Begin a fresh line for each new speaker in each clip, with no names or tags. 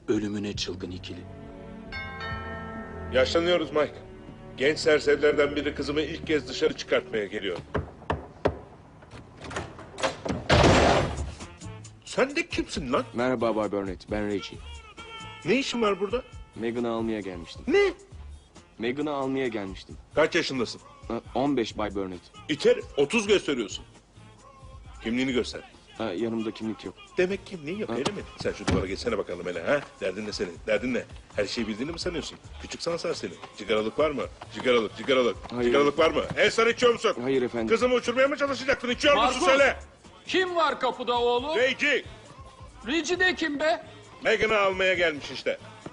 ölümüne çılgın ikili.
Yaşlanıyoruz Mike. Genç serserilerden biri kızımı ilk kez dışarı çıkartmaya geliyor. Sen de kimsin lan?
Merhaba Bay Burnett, ben Reggie.
Ne işin var burada?
Megan'ı almaya gelmiştim.
Ne?
Megan'ı almaya gelmiştim.
Kaç yaşındasın?
15 Bay Burnett.
İter, 30 gösteriyorsun. Kimliğini göster.
Yanımda kimlik yok.
Demek kimliğin yok öyle mi? Sen şu duvara geçsene bakalım hele ha? Derdin ne senin? Derdin ne? Her şeyi bildiğini mi sanıyorsun? Küçük sansar seni. Cigaralık var mı? Cigaralık.
Hayır.
Cigaralık var mı? Sen içiyor musun?
Hayır efendim.
Kızımı uçurmaya mı çalışacaktın? İçiyor musun
Markus!
söyle?
Kim var kapıda oğlum?
Reggie,
Reggie de kim be?
Megan'ı almaya gelmiş işte.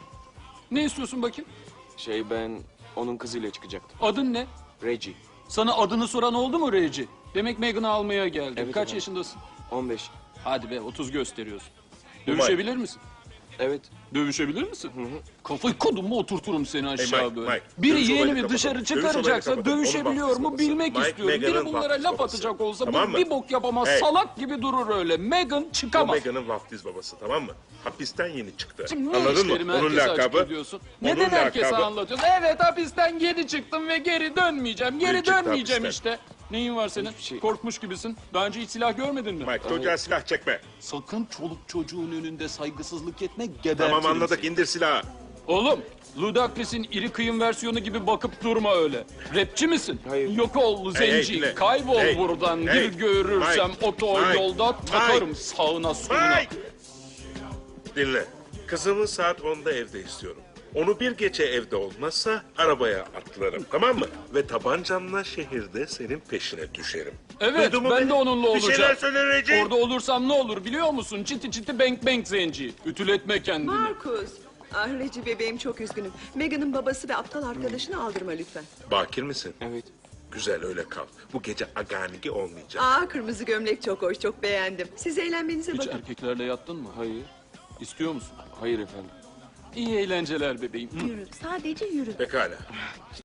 Ne istiyorsun bakayım?
Ben onun kızıyla çıkacaktım.
Adın ne?
Reggie,
Sana adını soran oldu mu Reggie? Demek Megan'ı almaya geldin.
Evet
Kaç
efendim.
yaşındasın?
15.
Hadi be 30 gösteriyorsun.
Umay.
Dövüşebilir misin?
Evet.
Dövüşebilir misin? Kafayı kodum mu oturturum seni aşağı
Mike,
böyle.
Mike,
Biri
dövüş olayını
yeğenimi
kapatalım.
dışarı
Dövüş olayını
çıkaracaksa
kapatalım.
dövüşebiliyor
Onun
mu
vaftiz
bilmek
babası.
istiyorum.
Mike,
Biri bunlara
Megan'ın
laf
vaftiz
atacak olsa
Tamam
bu
mı?
bir bok yapamaz.
Hey.
Salak gibi durur öyle. Megan
O
çıkamaz.
Megan'ın vaftiz babası tamam mı? Hapisten yeni çıktı.
Şimdi niye
Anladın mı?
işlerimi
Onun
herkese açık
lakabı.
ediyorsun?
Onun
Neden herkese
lakabı-
anlatıyorsun? Evet hapisten geri çıktım ve geri dönmeyeceğim. Geri
çıktı
dönmeyeceğim
hapisten.
işte. Neyin var senin?
Hiçbir şey.
Korkmuş gibisin. Daha önce hiç silah görmedin mi?
Mike çocuğa silah çekme.
Sakın çoluk çocuğun önünde saygısızlık etme, gebertirim
Tamam anladık
seni.
indir silahı.
Oğlum, Ludacris'in iri kıyım versiyonu gibi bakıp durma öyle. Rapçi misin?
Hayır.
Yok ol zenci,
dinle.
kaybol
Hey,
buradan.
hey,
Bir görürsem
Mike,
otoyolda
Mike,
takarım
Mike.
sağına soluna.
Mike! Dinle. Kızımı saat 10'da evde istiyorum. Onu bir gece evde olmazsa arabaya atlarım tamam mı? Ve tabancamla şehirde senin peşine düşerim.
Evet,
Duydun mu
ben
beni?
de onunla
Bir şeyler
olacağım.
söyle Reggie.
Orada olursam ne olur biliyor musun? Çiti çiti bank bank zenci. Ütületme kendini.
Markus. Ah Reggie bebeğim çok üzgünüm. Megan'ın babası ve aptal arkadaşını aldırma lütfen.
Bakir misin?
Evet.
Güzel öyle kal. Bu gece aganigi olmayacak.
Kırmızı gömlek çok hoş, çok beğendim. Siz eğlenmenize
Hiç
bakın.
erkeklerle yattın mı?
Hayır.
İstiyor musun?
Hayır efendim.
İyi eğlenceler bebeğim.
Yürü, sadece yürü.
Pekala.